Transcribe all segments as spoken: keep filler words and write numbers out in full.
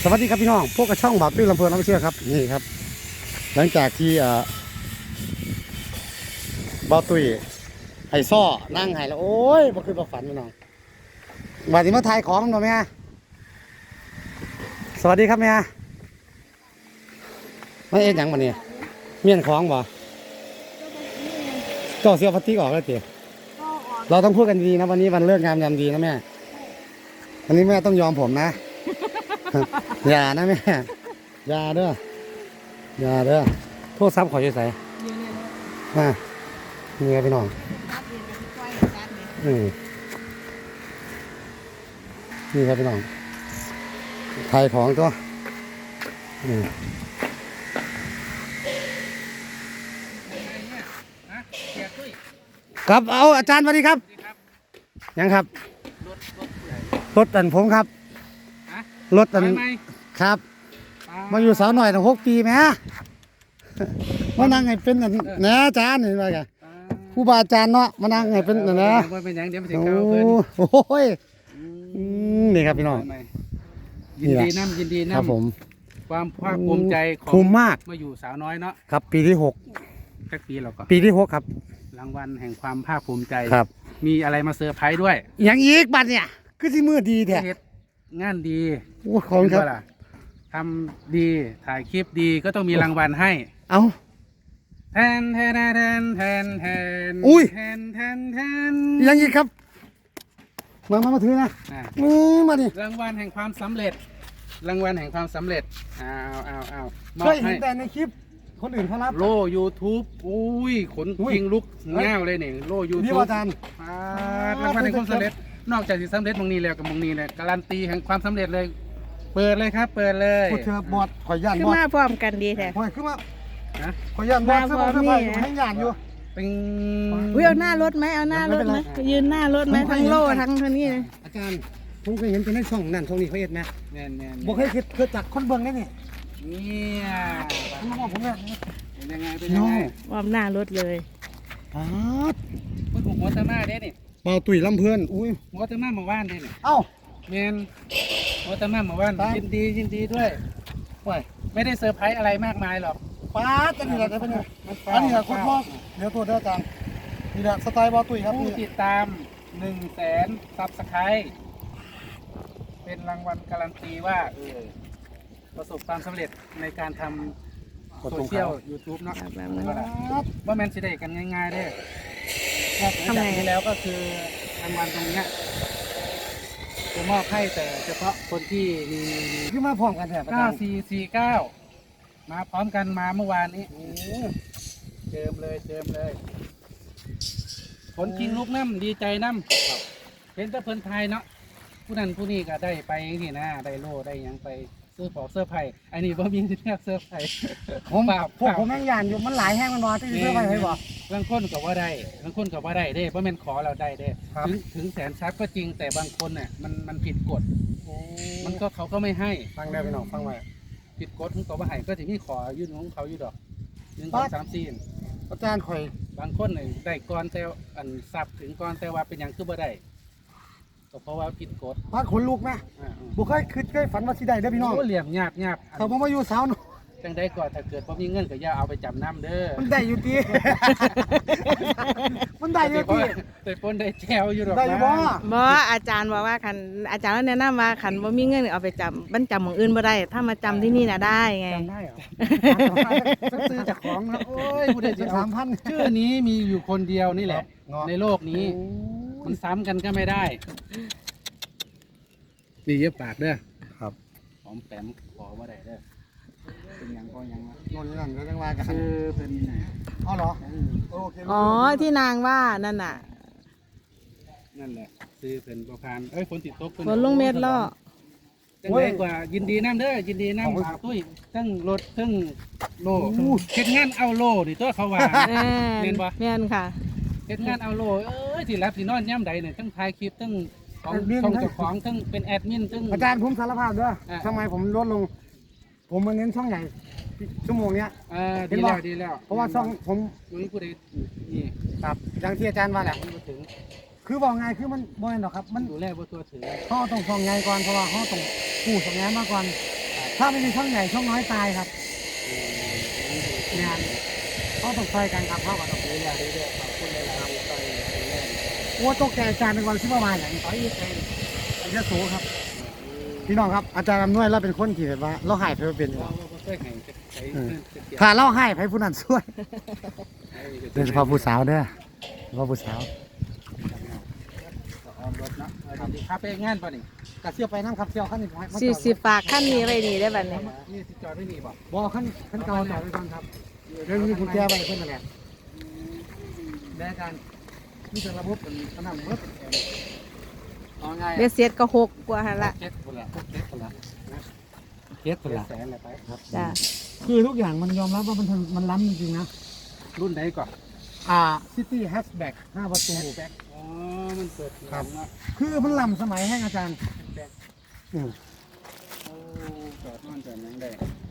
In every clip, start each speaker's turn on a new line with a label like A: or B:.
A: สวัสดีครับพี่น้องพวกกระช่องบ่าวตุ้ยลำเพลินน้ำเชื่อครับนี่ครับหลังจากที่บ่าวตุ้ยไห้ซ้อนั่งไห้แล้วโอ้ยบ่คือบ่ฝันพี่น้องมาที่มาถ่ายของหน่อยไหมสวัสดีครับแม่ไม่เอ็ดยังมาเนี่ยเมียนของบ่ก็เสียพัตติออกแล้วเตี๋ยเราต้องพูดกันดีนะวันนี้วันเลิกงามยามดีนะแม่วันนี้แม่ต้องยอมผมนะอย่านะแม่อย่าเด้ออย่าเด้อโทษซับขอช่วยใส่มานี่ครับพี่น้องอืมนี่ครับพี่น้องไทยของตัวอืมครับเอาอาจารย์สวัสดีครับยังครับรถตันผมครับรถตันครับมาอยู่สาวหน่อยตั้งหกปีไหมมานั่งให้เป็นนะอาจารย์เห็นไหมกันผู้บาอาจารย์เนาะมานั่งให้เป็นนะนะโอ้ยนี่ครับพี่น้อง
B: ยินดีน้ำยินดีน้ำ
A: ครับผม
B: ความภาคภูมิใจของ
A: ภูมิมาก
B: มาอยู่สาวน้อยเนาะ
A: ครับปีที่หก
B: สักปีเราก็
A: ปีที่หกครับ
B: รางวัลแห่งความภาคภูมิใจ
A: ครับ
B: มีอะไรมาเซอร์ไพรส์ด้วย
A: อย่างอีกบัตรเนี่ยคือที่มือดีแท้
B: งานดี
A: โอ้ขอบคุณครับ
B: ทำดีถ่ายคลิปดีก็ต้องมีรางวัลให้
A: เอา
B: แทนแทนแทนแทนแทน
A: อุ้ย
B: แทนแทนแทน
A: อย่างอีกครับมามามาถือนะนี่มาดิ
B: รางวัลแห่งความสำเร็จรางวัลแห่งความสำเร็จเอาเอาเอา
A: เคยเห็นแต่ในคลิปคนอื่นเขารับ
B: โล่ ยูทูบ อุ้ยขนยิงลุกเง่าเลยเนี่ยโล่ ยูทูบ
A: นี่อาจารย์
B: รางวัลแห่งความสำเร็จนอกจากที่สำเร็จตรงนี้แล้วกับตรงนี้เนี่ยการันตีแห่งความสำเร็จเลยเปิดเลยครับเปิดเลย
A: พูดเธอบอดข่อยย่าน
C: บอดขึ้นมาพร้อมกันดีแท้
A: ข่อยขึ้นมาข่อยย่านบอดเสื้อผ้าเสื้อผ้าอยู่ให้ย่านอยู่
B: เป็น
C: อุ้ยเอาหน้ารถไหมเอาหน้ารถไหมยืนหน้ารถไหมทั้งโล่ทั้งเท่านี้เลย
A: อาจารย์ผมเคยเห็นเป็นในช่องนั่นช่องนี้เขาเอ็ดไหม
B: แน่นแน่น
A: บอกให้คิดเกิดจากคนเบิ่งได้นี่
B: เนี่ย
A: ผมบอกผมเนี่ย
B: เป็นยังไงเป็นยังไง
C: วอมหน้ารถเลย
A: อ๋อ
B: พูดถึงหัวตะมาได้นี่
A: เบาตุ๋ยลำเพื่อนอุ้ย
B: หัวตะมาหมู่บ้านได้นี่
A: เอ้า
B: เมนหัวตะมาหมู่บ้านยินดียินดีด้วยว้ยไม่ได้เซอร์ไพรส์อะไรมากมายหรอก
A: ป้าจะนี่แหละจะเป็นอันนี้แหละคุณพ่อเดี๋ยวตัวเดียวกันนี่แหละสไตล์เบาตุ๋ยครับ
B: ผู้ติดตามหนึ่งแสนซับสไครต์เป็นรางวัลการันตีว่าเออประสบความสำเร็จในการทำโซเชียลยูทูบเนาะว่าแมนสิได้กันง่ายๆได้ทำไงแล้วก็คือรางวัลตรงนี้จะมอบให้แต่เฉพาะคนที่มี
A: ขึ้นมาพร้อมกันแถบ
B: เก้าสี่สี่เก้ามาพร้อมกันมาเมื่อวานนี้เจิมเลยเจิมเลยผลจริงลูกน้ำดีใจน้ำเป็นตะเพิ่นไทยเนาะผู้นั้นผู้นี้ก็ได้ไปอย่างนี้นะได้โล่ได้ยังไปเสื้อปอกเสื้อไผ่อันนี้บ่มีที่เรียกเสื้อไผ่
A: ผมพวกผมแม่งยานอยู่มันหลายแห้งมันนอนที่เสื้อไผ่ให้บอก
B: บางคนก็ว่าได้บางคนก็ว่าได้เด้เพราะมันขอเราได้เด้ถึงถึงแสนซับก็จริงแต่บางคนเนี่ยมันมันผิดกฎมันก็เขาก็ไม่ให้
A: ฟังได้ไปหน่อยฟังไว้
B: ผิดกฎของเขาไม่ให้ก็ถึงที่ขอยื่นของเขาอยู่ดอกหนึ่งสองสามสี่
A: อาจารย์ข่อย
B: บางคนเนี่ยได้ก่อนแต่อันซับถึงก่อนแต่ว่าเป็นอย่างคือบ่ได้เพราะว่าผิดกฎ
A: พาดขนลุกไหมบุคคลคือเคยฝันว่าสิได้ได้พี่น้อง
B: เหลี่ยมหยาบหยาบ
A: เขาบอกว่าอยู่สาวหนู
B: จังได้ก่อนถ้าเกิดพอมีเงินก็อย่าเอาไปจำน้ำเด้อ
A: มันได้อยู่ตีมันได้อยู่ตี
B: แต่ปนได้แจวอยู่หรอก
A: ได้อยู่บ่
C: บ่อาจารย์บอกว่าขันอาจารย์แนะนำว่าขันบ่มีเงินเอาไปจำมันจำของอื่นบ่ได้ถ้ามาจำที่นี่น่ะได้ไง
A: จำได้เหรอซื้อจากของนะโอ้ยผู้ใดจะสามพัน
B: ชื่อนี้มีอยู่คนเดียวนี่แหละในโลกนี้มันซ้ำกันก็ไม่ได้นี่เย็บปากเด้อ
A: ครับ
B: หอมแปมขอว่าได้เด้อเป็นยังก็ยัง
A: นนนั่นก็ยังว่ากัน
B: คือเป็น
A: อ๋อเหรอ
C: อ๋อที่นางว่านั่นน่ะ
B: นั่นแหละซื้อเป็นประพานเอ้ยฝนติดตก
C: ฝนลงเม็ดล่อ
B: จังไดกว่ายินดีน้ำเด้อยินดีน้ำฝากตุ้ยทั้งรถทั้งโล่เฮ็ดงานเอาโล่ดิตัวเขาว่า
C: แม่นบ่แม่นค่ะ
B: เฮ็ดงานเอาโล่เอ้ยที่รับที่นอนย่ำใดเนี่ยทั้งถ่ายคลิปทั้งของช่องเจ้าของทั้งเป็นแอดมินทั้ง
A: อาจารย์ผมสารภาพด้วยทำไมผมลดลงผมมาเน้นช่องใหญ่ชั่วโมงเนี้ย
B: ดีแล้วดีแล้ว
A: เพราะว่าช่องผม
B: นี่ผู้ใดนี่
A: ครับอย่างที่อาจารย์ว่าแหละถึงคือบอกไงคือมันบ่อยหรอกครับมัน
B: ดูแลบ่ตัวถึง
A: เขาต้องช่องใหญ่ก่อนเพราะว่าเขาต้องกู้ช่องใหญ่มาก่อนถ้าไม่มีช่องใหญ่ช่องน้อยตายครับงานเขาต้องช่วยกันครับเข้ากับต้อง
B: นี่แหละนี่แหละขอบคุณเลยครับตอนนี้แรก
A: โอ้ตกใจอาจารย์เป็นวันที่ประมาณอย่างต่อยยี่สิบอันนี้สูงครับพี่น้องครับอาจารย์อำนวยเราเป็นคนที่แบบว่าเราหายไปเป็นอยู่
B: เราก็เคยให้ใช้เกี่ยว
A: ถ้าเราให้ไปผู้นั้นช่วยเป็นเฉพาะผู้สาวเด้อเฉพาะผู้สาว
B: ออมรถเนาะดีครับไปงานป่ะนี่
A: กระเซียวไปน้ำครับเซียวขั้นนี้ผมให้
C: สิสิฝากขั้นนี้ไว้นี่ได้บัดนี้
B: นี่สิจอดไม่มีบ่
A: บ่ขั้นขั้นเก่าจอดไว้ก่อนครับเรื่องนี้กุญแจไว้เพิ่นนั่นแหละได้อาจารย์นี่เป็นระบบเป็นขนาดเบิด
B: เอาไง
C: เบ็ดเสร็จก็หกกว่าหั่นละ
B: เจ็ดคนละเจ็ดคนละ
A: เก็ต
B: ค
A: เพิ่
B: น
A: น
B: ละ
A: ละ
B: แสนเลยไปครับ
C: จ้ะ
A: คือทุกอย่างมันยอมรับว่ามันมันล้ำจริงๆนะ
B: รุ่นไหนก่อน
A: อ่าซิตี้แฮชแบ็กห้าประตู
B: แบ็คอ๋อมันเปิด
A: ครับ
B: เนาะ
A: คือมันล้ำสมัยให้อาจารย์
B: แบ็ค
A: อืม
B: โอ้จอดนอนจอดนั่งได้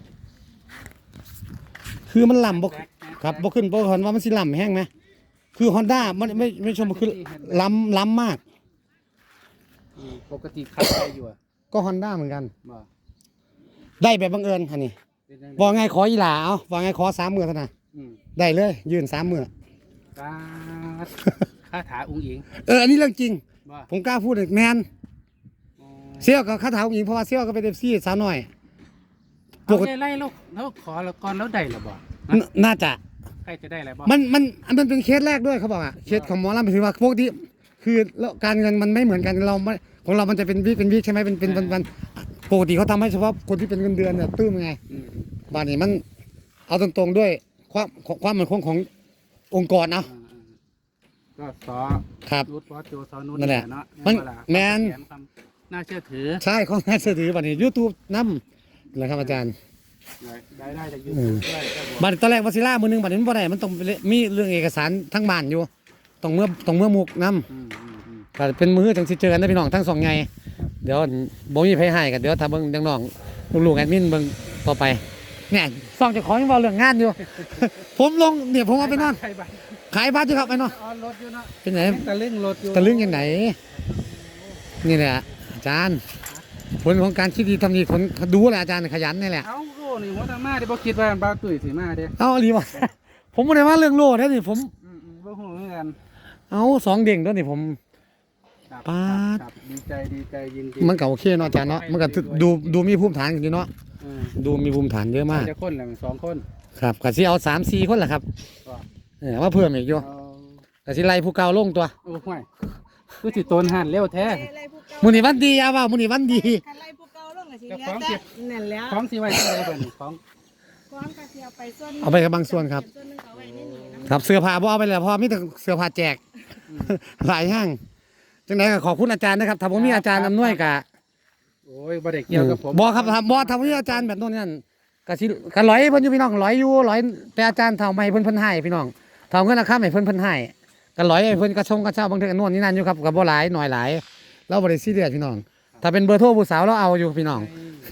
A: คือมันล้ำบ่ครับบ่ขึ้นบ่เห็นว่ามันสิล้ำแห้งไหมคือ Honda มันไม่ไม่ชมคือล้ำล้ำมาก
B: อืมปกติขับไปอยู่อะ
A: ก็ Honda เหมือนกัน
B: บ่
A: ได้แบบบังเอิญอันนี้
B: เป็นจัง
A: บอกไงขออีหลาเอาบอกไงขอสามหมื่นเท่านั้น
B: อืม
A: ได้เลย ยืนสามหมื่น
B: กาดคาถาอุ้งอิง
A: เอออันนี้เรื่องจริง
B: บ่
A: ผมกล้าพูดเลยแมน
B: อ๋อ
A: เซี่ยวกับคาถาผู้หญิงเพราะว่าเซี่ยวก็เป็นเอฟซีสาวน้อยป
B: เอา
A: กติ
B: ไล่แล้วแล้วขอแล้วก่อนแล้วได้หรือบ่
A: นน่าจะ
B: ใครจะได้อะไรบ่
A: มันมันมันเป็นเคสแรกด้วยเขาบอกอ่ะเคสของหมอลำถือว่าพวกที่คือแล้วการเงินมันไม่เหมือนกันเราไม่ของเรามันจะเป็นวิกเป็นวิกใช่ไหมเป็นเป็นวันวันปกติเขาทำให้เฉพาะคนที่เป็นเงินเดือนเนี่ยตื้มไง
B: อืม
A: บ้านนี้มันเอาตรงๆด้วยความความมั่นคงขององค์กรเอา
B: อ่าๆก็สอ
A: ครับ
B: นุชบอสโจสอนุช
A: นั่นแหละ
B: เนาะ
A: มัน
B: เวลา
A: แมน
B: ความความน่าเชื่อถือ
A: ใช่ข้อน่าเชื่อถือบ้านนี้ยูทูบนำนะครับอาจารย์
B: ได้ได้จากยู
A: อื
B: ทู
A: ม
B: บด้วยก็บอก
A: บ้านตอนแรกวาซิล่ามือหนึงบ้านนี้มันบ่ได้มันต้องมีเรื่องเอกสารทั้งบ้านอยู่ต้องเมื่อต้องเมื่อมุกนำ
B: อืมอืมอืม
A: ก็เป็นมือจังสิเจอกันนะพี่น้องทั้งสองไงเดี๋ยวบ่มีไผให้กันเดี๋ยวถ้าเบิ่งจังน้องลูกๆแอดมินเบิ่งต่อไปเนี่ยซองเจะของยังเว้าเรื่องงานอยู่ ผมลงเนี่ยผมเอาไปนอน
B: ใครบ้าง
A: ขายบ้านอยู่ครับไปนอน
B: ออนรถอยู่เนาะ
A: เป็นไหน
B: ตะลึงรถอยู่
A: ตะลึงยังไหนนี่แหละอาจารย์ผลของการคิดดีทำดีผลดูแหละอาจารย์ขยันนี่แหละ
B: เอ้าโลนี่หัวตามาเดี๋ยวบ่คิดว่าบ้าวตุ้ยสิมาเด้
A: เอาอีหลีวะ ผมบ่ได้ว่าเรื่องโลดนะนี่ผม
B: อืมอืมบ่ฮู้เหมือนกัน
A: เอาสองเด้งด้วยนี่ผม
B: ครับ
A: ป๊าด
B: ครับดีใจดีใจยินดี
A: มันก็โอเคเนาะอาจารย์เนาะมันก็ดูดูมีภูมิฐานอยู่เนาะ
B: อืม
A: ดูมีภูมิฐานเยอะมาก
B: จะคนแหละมันสองคน
A: ครับก็สิเอาสามสี่คนแหละครับ
B: ก็
A: เออว่าเพิ่มอีกอยู่
B: เอา
A: ก็สิไล่ผู้เก่าลงตัว
B: โอ้ห่วยคือสิโตนหันเร็วแท้
A: มื้อนี้วันดีอย่าว่ามื้อนี้วันดี
C: คันไล่ผู้เก่าลงก็สิ
B: เจ้า
C: เหลื
B: ของ
C: อ
B: เก็
C: แต่
B: บ
C: นั่นแหล้ว
B: ของสิไว้ที่ไหนบ่นี่ของ
C: ของก็สิเอาไปส่วน
A: เอาไปกับบางส่วนครับ
C: ส่วนหนึงเอาไว้ในนี่นะ
A: ครับเสื้อผ้าบ่เอาไปแล้วเพราะมีแต่เสื้อผ้าแจก หลายห้างจังไดก็ขอบคุณอาจารย์นะครับถ้าผมมีอาจารย์อำนวยก็
B: โอ้ยบ่ได้เกี่ยวกับผม
A: บ่ครับถ้าบ่ถ้าผมมีอาจารย์แบบโน้นนั่นก็สิก็ร้อยเพิ่นอยู่พี่น้องร้อยอยู่ร้อยแต่อาจารย์เท่าไม่เพิ่นเพิ่นให้พี่น้องเท่าเงินราคาให้เพิ่นเพิ่นให้ก็ร้อยให้เพิ่นกระชงกระเช้าบางเทื่อก็โน่นนี่นั่นอยู่ครับก็บ่หลายหน่อยหลายเราบ่ได้ซีเรียสพี่น้อง ถ้าเป็นเบอร์โทรผู้สาวเราเอาอยู่พี่น้อง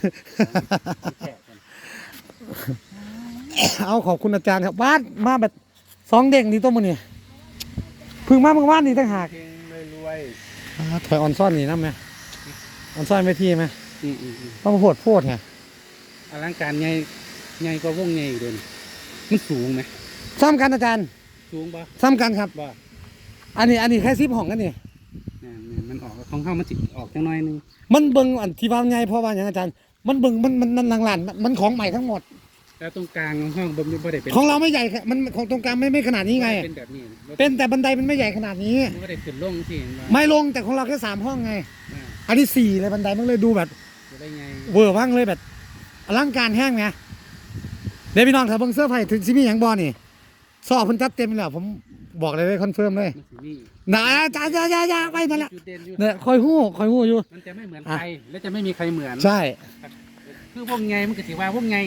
A: เอาขอบคุณอาจารย์ครับบ้านมาแบบสองเด้งนี่ตัวมื้อนี้เพึ่งมาเมื่อวานนี่ต่างหาก
B: เก่งรวย
A: อ่าถอยออนซ่อนนี่นำไหมออนซ่อนไว้ที่ไหม
B: ๆอืมอืมอืม
A: ต้องโพดโพดไง
B: อลังการใหญ่ใหญ่กว่าวงใหญ่อีกเด้อนี่มันสูงไหม
A: ซ้ำกันอาจารย์
B: สูงบ่
A: ซ้ำกันครับ
B: บ่
A: อันนี้อันนี้แค่ซิปห้องกันนี่
B: เนี่ยเนี่ยมันออกของเฮามันสิออกจังน้อยหนึง
A: มันเบิ่งอันที่ว่าใหญ่เพราะว่าอย่างอาจารย์ มันเบิ่งมันมันมันหลังๆมันของใหม่ทั้งหมด
B: แล้วตรงกลางห้องบ่บ่ได้เป็น
A: ของเราไม่ใหญ่แค่มันของตรงกลางไม่ไม่ขนาดนี้ไง
B: เป็นแบบนี้
A: เป็นแต่บันไดมันไม่ใหญ่ขนาดนี้
B: บ่ได้ขึ้นลงสิเห็นบ่
A: ไม่ลงแต่ของเราแค่สามห้องไง
B: อ่า
A: อันนี้สี่เลยบันไดมันเลยดูแบบ
B: จะได้ไง
A: เวอร์ว่างเลยแบบอลังการแห้งไงเดี๋ยวพี่น้องถ้าเบิ่งเสื้อผ้าถึงสิมีหยังบ่นี่ซอกเพิ่นจัดเต็มแล้วผมบอกเลยเลยคอนเฟิร์มเลย
B: มันสิมี
A: นะจ้าจ้าจ้าจ้าไปนั่นแหละ
B: จุดเด่นอยู่
A: เนี่ยคอยฮู้คอยฮู้อยู่
B: มันจะไม่เหมือน
A: อ่ะ
B: ใครและจะไม่มีใครเหมือน
A: ใช่
B: คือวงไงมันก็สิว่าวงไง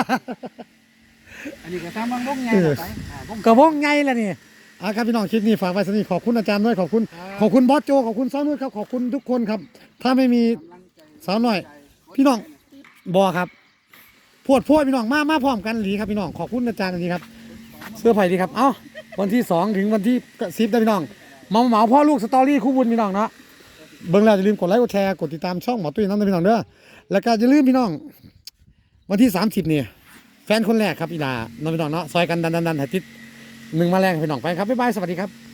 B: อันนี้ก็ตามวงวงไงต่อไปอ่าวง
A: กระวงไงล่ะนี่อ่ะครับพี่น้องคลิปนี้ฝากไว้สนิทขอบคุณอาจารย์ด้วยขอบคุณ
B: ครับ
A: ขอบคุณบอสโจขอบคุณซ้อนุ่นครับขอบคุณทุกคนครับ ถ้าไม่มีสาวหน่อย พี่น้องบอครับพวดพวดพี่น้องมามาพร้อมกันหลีครับพี่น้องขอบคุณอาจารย์ดีครับ เสื้อไผ่ดีครับเอ้าวันที่สองถึงวันที่สิบได้พี่น้องเหมาเหมาพ่อลูกสตอรี่คู่บุญพี่น้องเนาะเบิ่งแล้วอย่าลืมกดไลค์กดแชร์กดติดตามช่องหมอตุ้ยน้ำนะพี่น้องเด้อแล้วก็อย่าลืมพี่น้องวันที่สามสิบนี่แฟนคนแรกครับอีลาน้องพี่น้องเนาะซอยกันดันดันดันให้ติดหนึ่งมาแรงพี่น้องไปครับบ๊ายบายสวัสดีครับ